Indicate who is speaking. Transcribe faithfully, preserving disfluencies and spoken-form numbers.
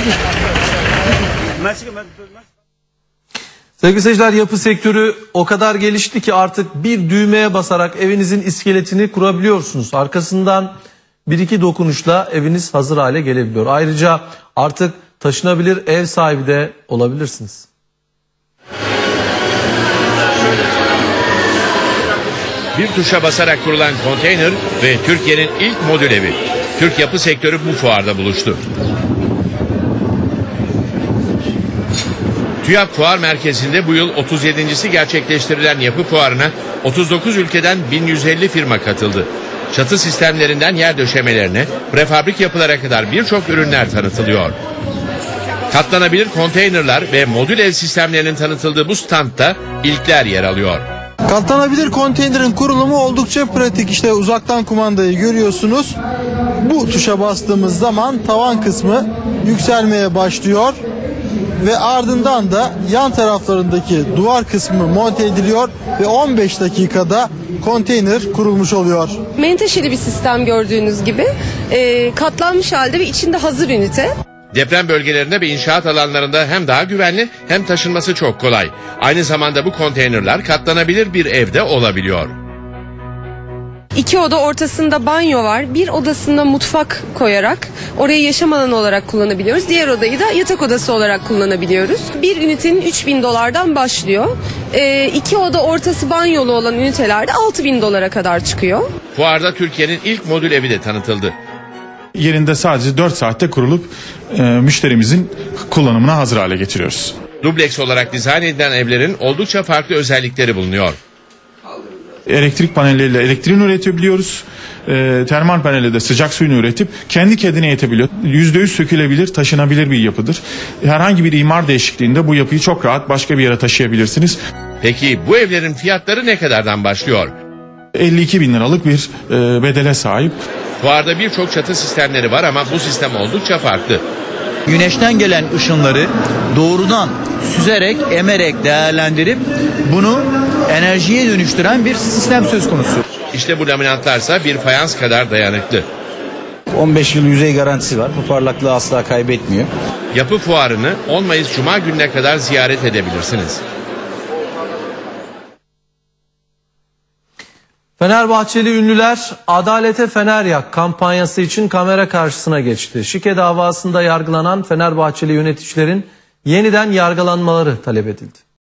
Speaker 1: Sevgili seyirciler, yapı sektörü o kadar gelişti ki artık bir düğmeye basarak evinizin iskeletini kurabiliyorsunuz. Arkasından bir iki dokunuşla eviniz hazır hale gelebiliyor. Ayrıca artık taşınabilir ev sahibi de olabilirsiniz.
Speaker 2: Bir tuşa basarak kurulan konteyner ve Türkiye'nin ilk modül evi. Türk yapı sektörü bu fuarda buluştu. TÜYAP Fuar Merkezi'nde bu yıl otuz yedincisi gerçekleştirilen yapı fuarına otuz dokuz ülkeden bin yüz elli firma katıldı. Çatı sistemlerinden yer döşemelerine, prefabrik yapılara kadar birçok ürünler tanıtılıyor. Katlanabilir konteynerlar ve modül ev sistemlerinin tanıtıldığı bu standta ilkler yer alıyor.
Speaker 3: Katlanabilir konteynerin kurulumu oldukça pratik. İşte uzaktan kumandayı görüyorsunuz. Bu tuşa bastığımız zaman tavan kısmı yükselmeye başlıyor ve ardından da yan taraflarındaki duvar kısmı monte ediliyor ve on beş dakikada konteyner kurulmuş oluyor.
Speaker 4: Menteşeli bir sistem gördüğünüz gibi e, katlanmış halde ve içinde hazır ünite.
Speaker 2: Deprem bölgelerinde ve inşaat alanlarında hem daha güvenli hem taşınması çok kolay. Aynı zamanda bu konteynerler katlanabilir bir evde olabiliyor.
Speaker 4: İki oda ortasında banyo var. Bir odasında mutfak koyarak orayı yaşam alanı olarak kullanabiliyoruz. Diğer odayı da yatak odası olarak kullanabiliyoruz. Bir ünitenin üç bin dolardan başlıyor. E, iki oda ortası banyolu olan ünitelerde altı bin dolara kadar çıkıyor.
Speaker 2: Fuarda Türkiye'nin ilk modül evi de tanıtıldı.
Speaker 5: Yerinde sadece dört saatte kurulup e, müşterimizin kullanımına hazır hale getiriyoruz.
Speaker 2: Dubleks olarak dizayn edilen evlerin oldukça farklı özellikleri bulunuyor.
Speaker 5: Elektrik panelleriyle elektriğini üretebiliyoruz. E, termal panelle de sıcak suyunu üretip kendi kendine yetebiliyor. yüzde yüz sökülebilir, taşınabilir bir yapıdır. Herhangi bir imar değişikliğinde bu yapıyı çok rahat başka bir yere taşıyabilirsiniz.
Speaker 2: Peki bu evlerin fiyatları ne kadardan başlıyor?
Speaker 5: elli iki bin liralık bir e, bedele sahip.
Speaker 2: Fuarda birçok çatı sistemleri var ama bu sistem oldukça farklı.
Speaker 6: Güneşten gelen ışınları doğrudan süzerek, emerek değerlendirip bunu enerjiye dönüştüren bir sistem söz konusu.
Speaker 2: İşte bu laminatlarsa bir fayans kadar dayanıklı.
Speaker 6: on beş yıl yüzey garantisi var. Bu parlaklığı asla kaybetmiyor.
Speaker 2: Yapı fuarını on Mayıs Cuma gününe kadar ziyaret edebilirsiniz.
Speaker 1: Fenerbahçeli ünlüler Adalete Fener Yak kampanyası için kamera karşısına geçti. Şike davasında yargılanan Fenerbahçeli yöneticilerin yeniden yargılanmaları talep edildi.